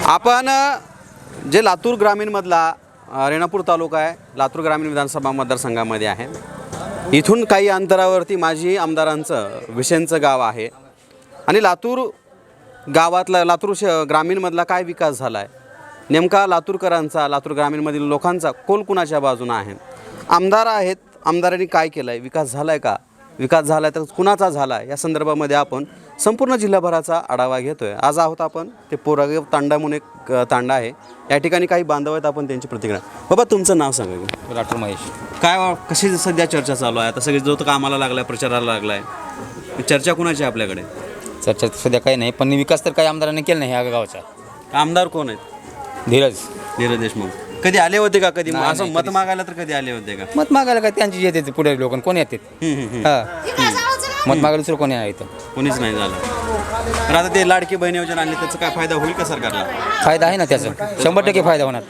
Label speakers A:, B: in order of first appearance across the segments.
A: आपण जे लातूर ग्रामीणमधला रेणापूर तालुका आहे, लातूर ग्रामीण विधानसभा मतदारसंघामध्ये आहे. इथून काही अंतरावरती माजी आमदारांचं विशेंचं गाव आहे आणि लातूर गावातला लातूर ग्रामीणमधला काय विकास झाला आहे, नेमका लातूरकरांचा, लातूर ग्रामीणमधील लोकांचा कोल कुणाच्या बाजूनं आहे, आमदार आहेत, आमदारांनी काय केलं आहे, विकास झाला आहे का, विकास झाला आहे तर कुणाचा झाला आहे, या संदर्भामध्ये आपण संपूर्ण जिल्हाभराचा आढावा घेतो आहे. आज आहोत आपण ते पोरागाव तांडा म्हणून एक तांडा आहे, या ठिकाणी काही बांधव आहेत, आपण त्यांची प्रतिक्रिया. बाबा तुमचं नाव सांगा की.
B: राठोड महेश.
A: काय कशी सध्या चर्चा चालू आहे, आता सगळे जो तो कामाला लागला आहे, प्रचाराला लागला आहे, चर्चा कुणाची आहे आपल्याकडे?
B: चर्चा सध्या काही नाही, पण विकास तर काही आमदारांनी केला नाही ह्या गावचा.
A: आमदार कोण आहेत?
B: धीरज
A: देशमुख. कधी आले होते का, कधी
B: नाही,
A: असं
B: नाही,
A: मत मागायला तर कधी आले होते का?
B: मत मागायला काय त्यांची येते पुढे लोक कोण येतात? मत मागायला दुसरं कोणी आहे इथं?
A: कोणीच नाही झालं. तर आता ते लाडकी बहीण योजना आणली, त्याचा काय फायदा होईल का सरकारला?
B: फायदा आहे ना त्याचा, 100% फायदा होणार.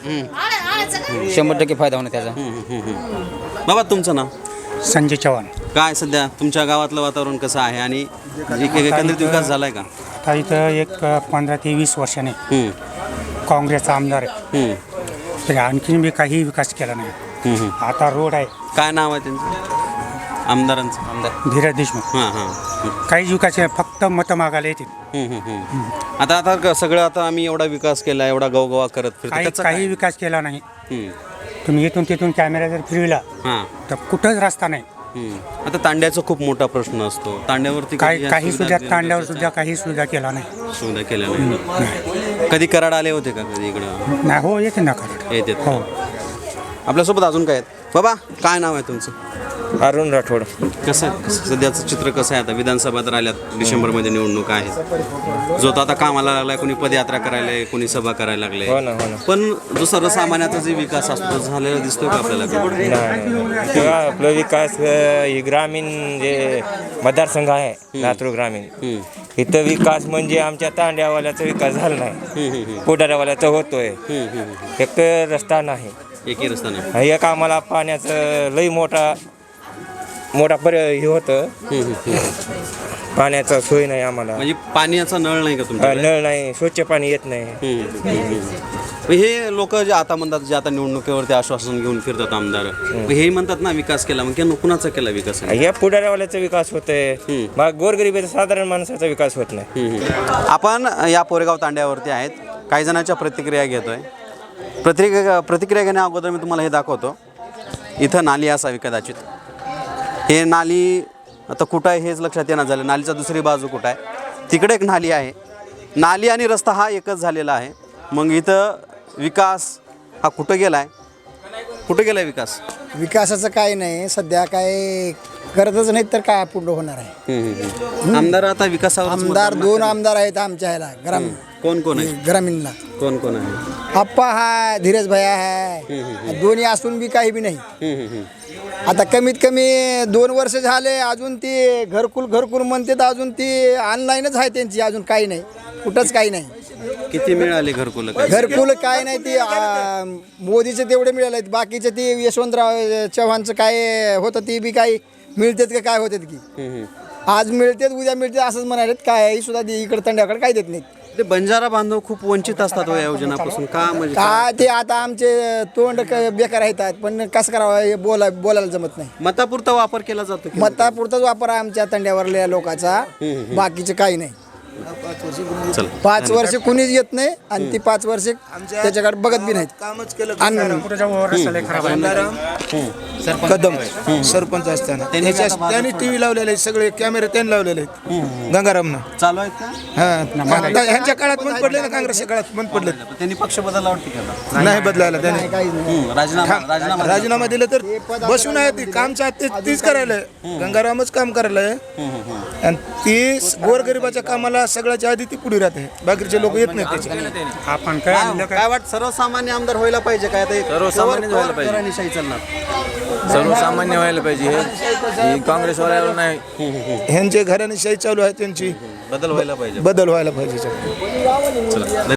B: 100% फायदा होणार त्याचा.
A: बाबा तुमचं नाव?
C: संजय चव्हाण.
A: काय सध्या तुमच्या गावातलं वातावरण कसं आहे आणि एकंदरीत विकास झाला आहे का?
C: आता इथं एक 15 ते 20 वर्षाने काँग्रेसचा आमदार आहे, तरी आणखीन बी काही विकास केला नाही. आता रोड आहे.
A: काय नाव आहे त्यांचं आमदारांचं?
B: आमदार
C: धीरज देशमुख. काहीच विकास आहे, फक्त मतं मागायला येतील.
A: आता सगळं आता आम्ही एवढा विकास केला, एवढा गवगवा करत फिरतो,
C: काही विकास केला नाही. तुम्ही इथून तिथून कॅमेरा जर फिरविला तर कुठंच रस्ता नाही.
A: आता तांड्याचा खूप मोठा प्रश्न असतो, तांड्यावरती
C: काही सुद्धा तांड्यावर सुद्धा काही सुविधा केला नाही.
A: सुविधा केल्या नाही. कधी कराड आले होते का कधी इकडं?
C: नाही. हो, येते ना कराड.
A: येते.
C: हो.
A: आपल्यासोबत अजून काय आहेत? बाबा काय नाव आहे तुमचं?
B: अरुण राठोड.
A: कसं आहे सध्याचं चित्र, कसं आहे? आता विधानसभा तर आल्यात, डिसेंबरमध्ये निवडणूक आहे, जो तो आता कामाला लागलाय, कोणी पदयात्रा करायला, कोणी सभा करायला लागले. पण जो सर्वसामान्याचा जे विकास असतो झालेला दिसतोय का आपल्याला?
D: आपला विकास ग्रामीण जे मतदारसंघ आहे लातूर ग्रामीण, इथं विकास म्हणजे आमच्या तांड्यावाल्याचा विकास झाला नाही, पुढाऱ्यावाल्याचा होतोय. एक रस्ता नाही,
A: एकही रस्ता नाही.
D: एक आम्हाला पाण्याचं लई मोठा हे होतं, पाण्याचा सोय नाही आम्हाला.
A: म्हणजे पाण्याचा नळ नाही का तुमच्या?
D: नळ नाही, स्वच्छ पाणी येत नाही.
A: हे लोक जे आता म्हणतात, जे आता निवडणुकीवरती आश्वासन घेऊन फिरतात आमदार, हे म्हणतात ना विकास केला, मग कुणाचा केला विकास?
D: या पुढाऱ्यावाल्याचा विकास होतोय, मग गोरगरिबाचा साधारण माणसाचा विकास होत नाही.
A: आपण या पोरेगाव तांड्यावरती आहेत, काही जणांच्या प्रतिक्रिया घेतोय. प्रतिक्रिया घेण्या अगोदर मी तुम्हाला हे दाखवतो. इथं नाली असावी कदाचित. हे नाली आता कुठं आहे हेच लक्षात येणं झालं. नालीचा दुसरी बाजू कुठं आहे? तिकडे एक नाली आहे. नाली आणि रस्ता हा एकच झालेला आहे. मग इथं विकास हा कुठं गेला आहे? कुठं गेला आहे विकास?
E: विकासाचं काय नाही, सध्या काय करतच नाहीत तर काय पुढं होणार आहे.
A: आमदार आता विकासावर
E: आमदार 2 आमदार आहेत आमच्या ह्याला ग्रामीण.
A: कोण कोण आहे?
E: ग्रामीणला
A: कोण कोण आहे?
E: आप्पा हाय, धीरज भैया हाय. दोन्ही असून बी काही बी नाही. आता कमीत कमी 2 वर्ष झाले, अजून ती घरकुल म्हणतात, अजून ती ऑनलाईनच आहे त्यांची, अजून काही नाही, कुठंच काही नाही.
A: किती मिळाले घरकुल?
E: घरकुल काय नाही, ती मोदीचे तेवढे मिळाले आहेत. बाकीचे ती यशवंतराव चव्हाणचं काय होतं ती बी काही मिळतात का काय होतात की आज मिळतात उद्या मिळतात असंच म्हणाले. काय सुद्धा इकडे तंड्याकडे काय देत नाहीत.
A: ते बंजारा बांधव खूप वंचित असतात या योजनापासून का? म्हणजे
E: काय ते आता आमचे तोंड बेकार आहेत, पण कसं करावं हे बोलायला जमत नाही.
A: मतापुरता वापर केला जातो की?
E: मतापुरताच वापर आहे आमच्या तंड्यावरल्या लोकांचा, बाकीचे काही नाही. 5 वर्ष कुणीच येत नाही आणि ती 5 वर्ष त्याच्याकडे बघत बी नाहीत.
F: कदम सरपंच असताना त्यांनी टीव्ही लावलेले, सगळे कॅमेरे त्यांनी लावलेले आहेत गंगारामनं.
A: चालू आहेत का?
F: ह्यांच्या काळात बंद पडले ना, काँग्रेसच्या काळात बंद पडले.
A: त्यांनी पक्ष बदलला वाटते का?
F: नाही बदलायला त्याने राजीनामा दिला तर बसून आहे. ती काम तीच करायला, गंगारामच काम करायला आहे. आणि ती गोरगरिबाच्या कामाला सगळ्याच्या आधी ती पुढे राहते, बाकीचे लोक येत नाहीत त्याचे.
C: आपण
A: काय वाटतं, सर्वसामान्य आमदार व्हायला पाहिजे काय?
B: सर्वसामान्य व्हायला पाहिजे. सर्वसामान्य व्हायला पाहिजे, हे काँग्रेसवाल्याला नाही.
F: ह्यांचे घराणेशाही चालू आहे त्यांची,
A: बदल व्हायला पाहिजे.
F: बदल व्हायला पाहिजे.